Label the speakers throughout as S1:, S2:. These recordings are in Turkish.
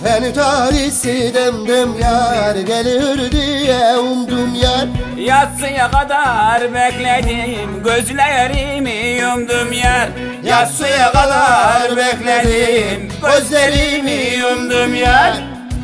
S1: En tarihsi demdim yar gelir diye umdum yar.
S2: Yatsıya kadar bekledim, gözlerimi yumdum yar. Yatsıya kadar bekledim, gözlerimi yumdum yar.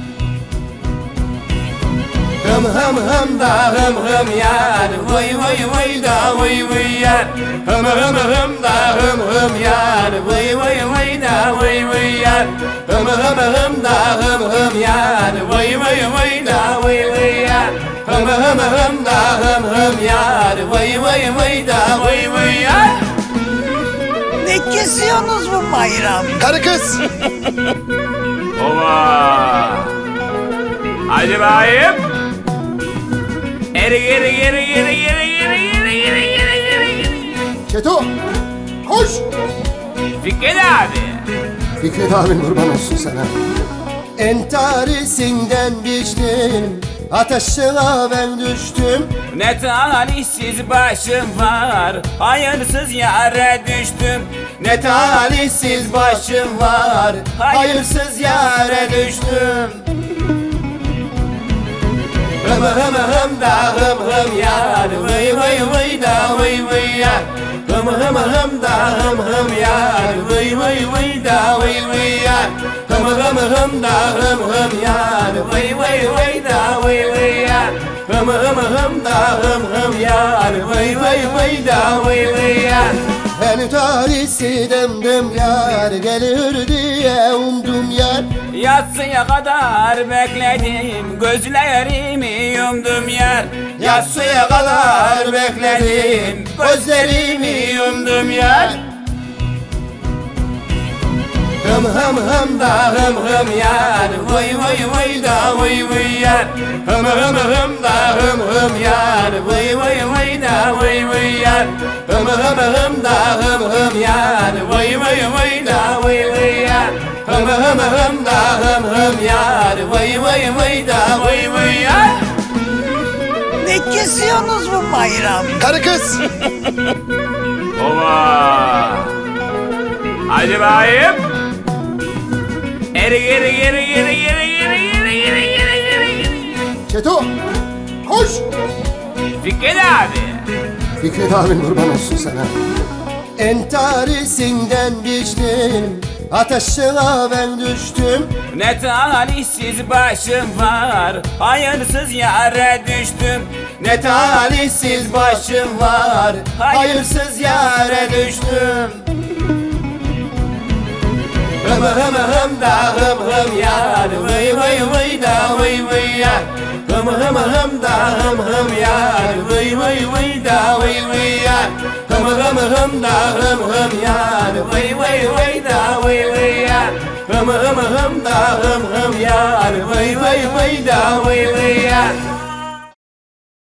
S2: Hım hım hım da hım hım yar, vay vay vay da vay vay yar. Hım hım hım da hım hım yar, vay vay vay da vay vay yar. Hım hım hım da hım hım yar, vay vay vay da vay vay yar. Hım hım hım da hım hım yar, vay vay vay da vay vay yar.
S3: Ne kesiyorsunuz bu bayram?
S1: Karı kız.
S2: Ova! Hadi bakayım. Geri geri geri geri geri geri geri geri geri geri.
S1: Çeto koş.
S2: Fikret abi.
S1: Fikret abin kurban olsun sana. Entarisinden biçtim, ateşine ben düştüm.
S2: Ne talihsiz başım var, hayırsız yere düştüm. Ne talihsiz başım var, hayırsız yere düştüm. Hım hım hım da hım hım yar, vay vay vay da vay vay yar. Hım hım hım da hım hım yar, vay vay vay da vay vay yar. Hım hım hım da hım hım yar, vay vay vay da vay vay yar. Hım hım hım da hım hım yar, vay vay vay da vay vay yar.
S1: En tarihsi demdim yar gelir diye umdum yar.
S2: Yatsıya kadar bekledim, gözlerimi yumdum yar. Yatsıya kadar bekledim, gözlerimi yumdum yar. Hım hım hım da hım hım yar, vay vay vay da vay vay yar. Hım hım hım da hım hım yar, vay vay vay da vay vay yar. Hım hım hım da hım hım yar, vay vay vay da vay vay yar. Hım hım hım da hım hım yar, vay vay vay da vay vay yar.
S3: Ne kesiyorsunuz bu bayram?
S1: Karı kız.
S2: Ova! Hadi bakayım. Geri geri geri geri geri geri geri geri geri geri.
S1: Çeto koş.
S2: Fikret abi.
S1: Fikret abin kurban olsun sana. Entarisinden biçtim, ateşine ben düştüm.
S2: Ne talihsiz başım var, hayırsız yere düştüm. Ne talihsiz başım var, hayırsız yere düştüm. Hım hım hım da hım hım yar, vay vay vay da vay vay yar. Hım hım hım da hım hım yar, vay vay vay da vay vay yar. Hım hım hım da hım hım yar, vay vay vay da vay vay yar. Hım hım hım da hım hım yar, vay vay vay da vay vay yar.